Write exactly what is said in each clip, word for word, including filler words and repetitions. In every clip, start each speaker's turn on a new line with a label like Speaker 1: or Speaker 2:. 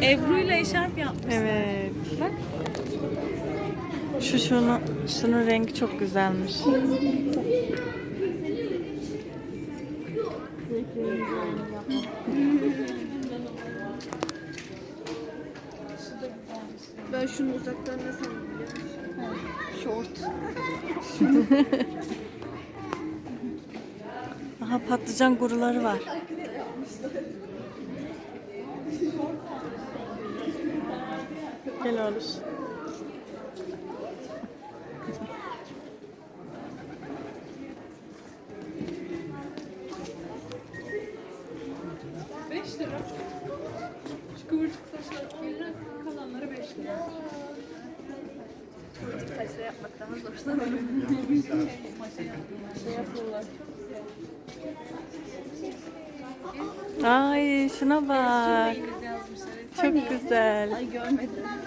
Speaker 1: Ebru'yla eşarp yapmışlar.
Speaker 2: Evet.
Speaker 1: Bak.
Speaker 2: Şu şunu, şunun rengi çok güzelmiş.
Speaker 3: Ben şunu uzaktan ne sandım biliyor musun? Short.
Speaker 2: Aha patlıcan guruları var. Gel oğlum.
Speaker 1: beş lira. Şu kıvırcık saçlar yerine kalanları beş lira.
Speaker 3: Saçla yapmak daha zor sanırım.
Speaker 1: Şey yapıyorlar.
Speaker 2: Ay şuna bak.
Speaker 1: İngilizce yazmışlar.
Speaker 2: Çok güzel.
Speaker 3: Ay görmedim.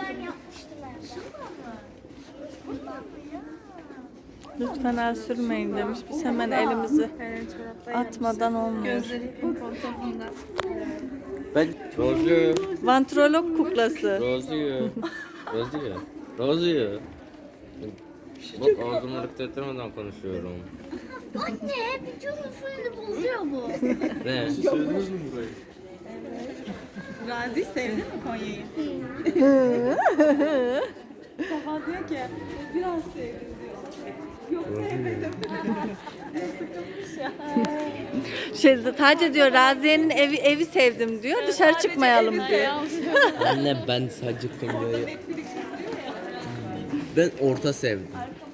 Speaker 2: Lütfen el sürmeyin demiş. Biz hemen elimizi
Speaker 3: Evet, çoraplar
Speaker 2: atmadan olmuyor.
Speaker 1: Gözleri pimpon topunda.
Speaker 4: Ben Rozi'ye,
Speaker 2: Vantrolog kuklası.
Speaker 4: Rozi'ye, Rozi'ye, Rozi'ye. Bak ağzımı hareket ettirmeden konuşuyorum.
Speaker 3: Anne, videonun suyunu bozuyor bu.
Speaker 4: Ne?
Speaker 1: Razi sevdi mi Konya'yı? Sabah diyor ki biraz sevdim diyor. Yok sevmedim. Sıkılmış ya.
Speaker 2: Şey, sadece diyor Raziye'nin evi evi sevdim diyor. Dışarı çıkmayalım diyor.
Speaker 4: Anne ben sadece Konya'yı... Ben orta sevdim.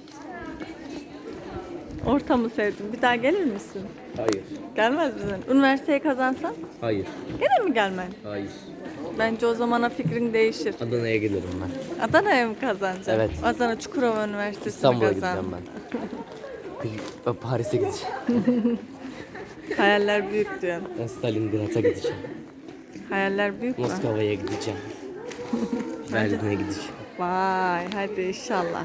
Speaker 2: Orta mı sevdin? Bir daha gelir misin?
Speaker 4: Hayır.
Speaker 2: Gelmez misin? Üniversiteyi kazansan
Speaker 4: Hayır.
Speaker 2: gene mi gelmen?
Speaker 4: Hayır.
Speaker 2: Bence o zamana fikrin değişir.
Speaker 4: Adana'ya gelirim ben.
Speaker 2: Adana'ya mı kazanacaksın?
Speaker 4: Evet.
Speaker 2: Adana Çukurova Üniversitesi'ni
Speaker 4: İstanbul'a
Speaker 2: kazan.
Speaker 4: gideceğim ben. Ben Paris'e gideceğim.
Speaker 2: Hayaller büyük diyorsun.
Speaker 4: Ben Stalingrad'a gideceğim.
Speaker 2: Hayaller büyük mü?
Speaker 4: Moskova'ya gideceğim. Berlin'e gideceğim.
Speaker 2: Vay hadi inşallah.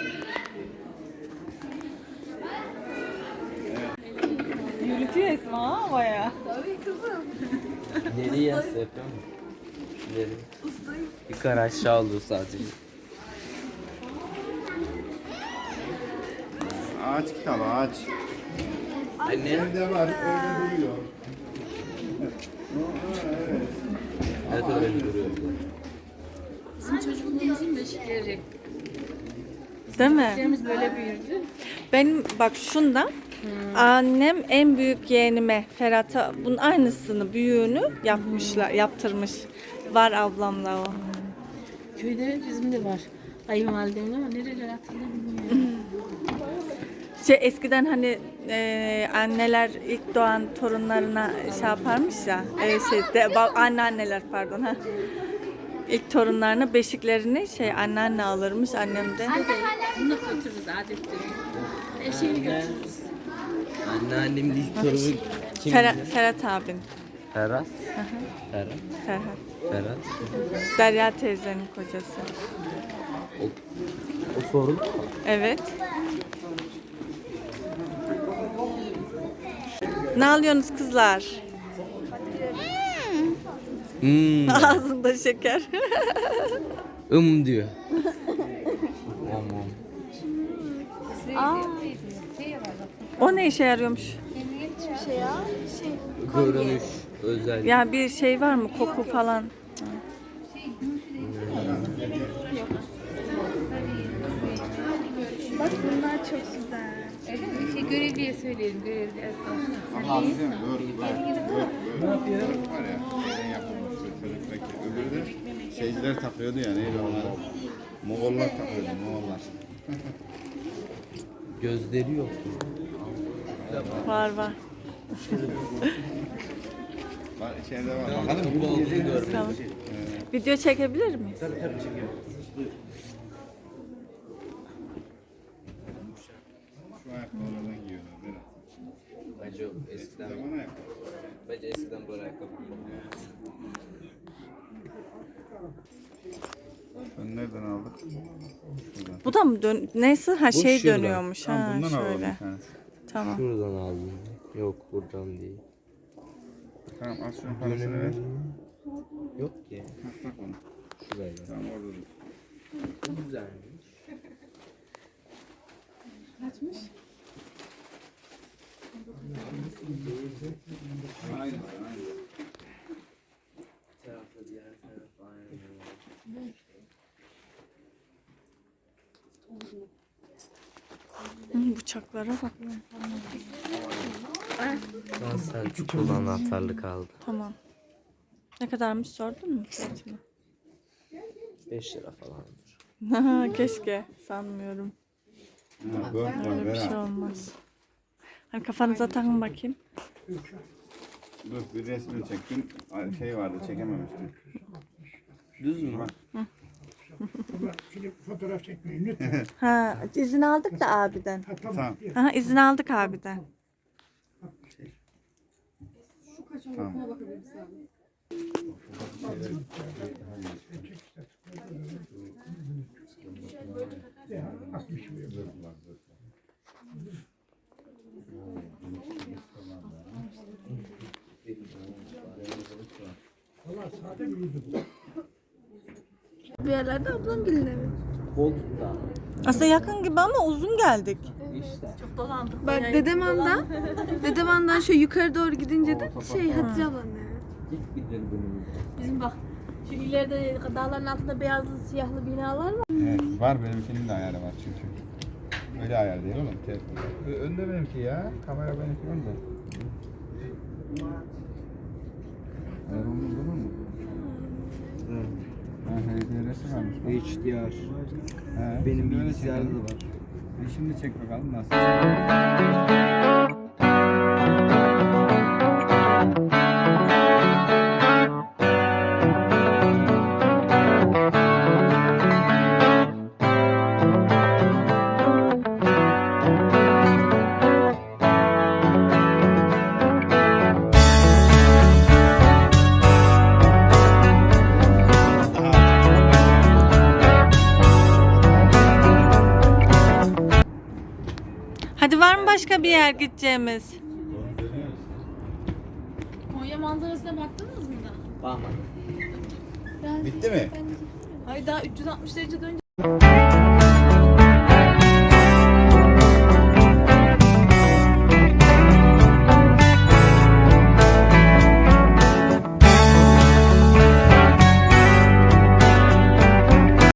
Speaker 1: Yürütüyor Esma ha baya.
Speaker 4: Nereye yapıyor mu? Nereye? Yukarı aşağı oldu sadece.
Speaker 5: Ağaç kitabı ağaç.
Speaker 4: Anne.
Speaker 5: Evde var öyle duruyor.
Speaker 4: Evet öyle duruyor.
Speaker 1: Bizim çocukluğumuzun beşikleri.
Speaker 2: Değil mi?
Speaker 1: Beşiklerimiz böyle büyürdü.
Speaker 2: Benim bak şunda annem en büyük yeğenime Ferhat'a bunun aynısını büyüğünü yapmışlar, yaptırmış. Var ablamla o.
Speaker 1: Köyde bizim de var. Kayınvalidemin ama nereler hatırlamıyorum.
Speaker 2: Şey eskiden hani e, anneler ilk doğan torunlarına şey yaparmış ya, e, şey de, ba- anneanneler pardon ha. İlk torunlarına beşiklerini şey anneanne alırmış annem de.
Speaker 1: Bunu götürürüz adettir. Eşeğini götürürüz.
Speaker 4: Anneannemin ilk torunu kim?
Speaker 2: Ferhat, Ferhat abin.
Speaker 4: Ferhat. Ferhat.
Speaker 2: Ferhat.
Speaker 4: Ferhat.
Speaker 2: Derya teyzenin kocası.
Speaker 4: O, o sorun.
Speaker 2: Evet. Ne alıyorsunuz kızlar?
Speaker 4: Hmm.
Speaker 2: Ağzında şeker.
Speaker 4: Im diyor. Om om.
Speaker 2: O ne işe yarıyormuş?
Speaker 3: Hiçbir şey ya. Şey.
Speaker 4: Görünüş özel.
Speaker 2: Ya bir şey var mı? Koku falan.
Speaker 3: Bak bunlar çok güzel.
Speaker 1: Öyle mi? Şey, görevliye söyleyelim. Görevliye.
Speaker 5: Ama değil mi? Dur, var. Dur, dur. Var ya, şeyden yapılmış. Çocuktaki. Öbürü de şeyciler takıyordu ya, neydi onlar? Moğollar takıyordu, Moğollar.
Speaker 4: Gözleri yok.
Speaker 2: Var var.
Speaker 5: Bak, şeyde var. Bakalım
Speaker 4: Bu olduğunu görmedim.
Speaker 2: Tamam. Video çekebilir miyiz?
Speaker 5: şu ayakkabılardan giyiyorlar. Berat.
Speaker 4: Bence o eskiden,
Speaker 5: Zaman ayakkabı.
Speaker 4: bence eskiden böyle ayakkabı giyilmiyor.
Speaker 5: Sen nereden aldık? Şuradan.
Speaker 2: Bu da mı dön neyse ha
Speaker 4: Bu
Speaker 2: şey
Speaker 4: şuradan.
Speaker 2: dönüyormuş
Speaker 5: Tamam,
Speaker 2: ha
Speaker 5: bundan alalım
Speaker 2: şöyle.
Speaker 5: bir tanesi.
Speaker 2: Tamam.
Speaker 4: Şuradan aldım. Yok buradan değil.
Speaker 5: Tamam, az şunun parasını ver.
Speaker 4: Yok ki.
Speaker 5: Bak bak onu.
Speaker 4: Şuraya.
Speaker 5: Tamam orada dur.
Speaker 4: Bu güzelmiş.
Speaker 2: Kaçmış?
Speaker 5: Aynen aynen.
Speaker 4: Bir tarafta diğer taraf aynı.
Speaker 2: Hı, bıçaklara bak.
Speaker 4: Lan sen çukurlu anahtarlı kaldı.
Speaker 2: Tamam. Ne kadarmış sordun mu fiyatını?
Speaker 4: beş lira falandır.
Speaker 2: Keşke. Sanmıyorum.
Speaker 5: Ha, bak bak
Speaker 2: Öyle bir
Speaker 5: ver
Speaker 2: şey
Speaker 5: ha.
Speaker 2: olmaz. Hani kafanıza takın bakayım.
Speaker 5: Dur bir resmini çektim. Ay, şey vardı çekememiştim.
Speaker 4: Düz mü?
Speaker 6: Film fotoğraf çekmeyin lütfen.
Speaker 2: Ha, izin aldık da abiden.
Speaker 6: Ha, tamam.
Speaker 5: Tamam.
Speaker 2: Ha, izin aldık abiden.
Speaker 5: Tamam.
Speaker 6: Ya, altmış buyur. Valla sade bir yüzü bu.
Speaker 3: Bir yerlerde ablam gelinle mi?
Speaker 4: Koltukta.
Speaker 2: Aslında yakın gibi ama uzun geldik.
Speaker 4: İşte.
Speaker 1: Çok dolandık.
Speaker 3: Bak
Speaker 1: bayağı
Speaker 3: Dedeman'dan, Dedeman'dan şu yukarı doğru gidince de şey Hatice ablanın evi.
Speaker 4: Git gidelim bunun.
Speaker 1: Bizim bak şu ileride dağların altında beyazlı siyahlı binalar var.
Speaker 5: Evet, var benim filmde ayarı var çünkü. Öyle ayar değil oğlum. Te- Ö- Önde benimki ya. Kamera benimki önde. Ayar olmaz olur mu?
Speaker 4: Evet.
Speaker 5: Ha, H D R'si varmış. bak.
Speaker 4: H D R.
Speaker 5: He,
Speaker 4: Benim
Speaker 5: şimdi öyle
Speaker 4: bilgisayarda
Speaker 5: çekelim.
Speaker 4: da var.
Speaker 5: Bir şimdi çek bakalım nasıl çekiyor.
Speaker 2: Hadi var mı başka bir yer gideceğimiz?
Speaker 1: Konya manzarasına baktınız mı da?
Speaker 4: Bakma.
Speaker 5: Bitti mi?
Speaker 1: Hayır daha üç yüz altmış derece dönünce.